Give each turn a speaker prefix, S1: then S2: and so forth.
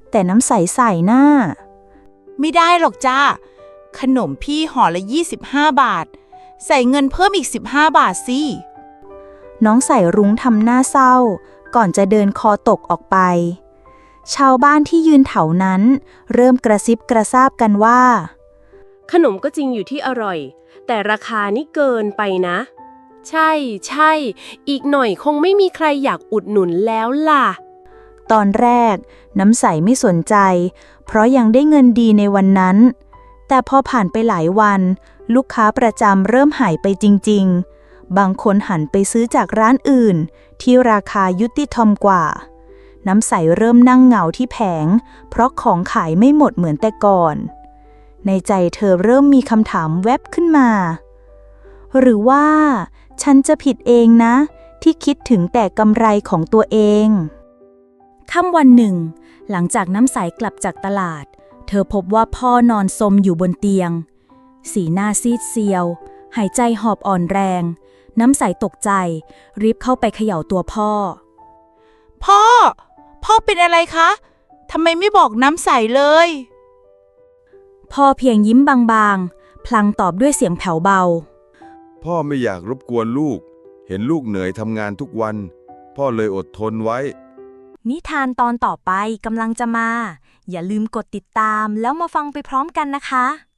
S1: แต่น้ำใสใส่หน้า
S2: ไม่ได้หรอกจ้าขนมพี่ห่อละ25 บาทใส่เงินเพิ่มอีก15 บาทสิ
S1: น้องใส่รุ้งทำหน้าเศร้าก่อนจะเดินคอตกออกไปชาวบ้านที่ยืนแถวนั้นเริ่มกระซิบกระซาบกันว่า
S3: ขนมก็จริงอยู่ที่อร่อยแต่ราคานี่เกินไปนะใช่ใช่อีกหน่อยคงไม่มีใครอยากอุดหนุนแล้วล่ะ
S1: ตอนแรกน้ำใสไม่สนใจเพราะยังได้เงินดีในวันนั้นแต่พอผ่านไปหลายวันลูกค้าประจำเริ่มหายไปจริงๆบางคนหันไปซื้อจากร้านอื่นที่ราคายุติธรรมกว่าน้ำใสเริ่มนั่งเหงาที่แผงเพราะของขายไม่หมดเหมือนแต่ก่อนในใจเธอเริ่มมีคำถามแวบขึ้นมาหรือว่าฉันจะผิดเองนะที่คิดถึงแต่กำไรของตัวเองค่ำวันหนึ่งหลังจากน้ำใสกลับจากตลาดเธอพบว่าพ่อนอนซมอยู่บนเตียงสีหน้าซีดเซียวหายใจหอบอ่อนแรงน้ำใสตกใจรีบเข้าไปเขย่าตัวพ่อ
S2: พ่อเป็นอะไรคะทำไมไม่บอกน้ำใสเลย
S1: พ่อเพียงยิ้มบางๆพลางตอบด้วยเสียงแผ่วเบา
S4: พ่อไม่อยากรบกวนลูกเห็นลูกเหนื่อยทำงานทุกวันพ่อเลยอดทนไว้
S1: นิทานตอนต่อไปกำลังจะมาอย่าลืมกดติดตามแล้วมาฟังไปพร้อมกันนะคะ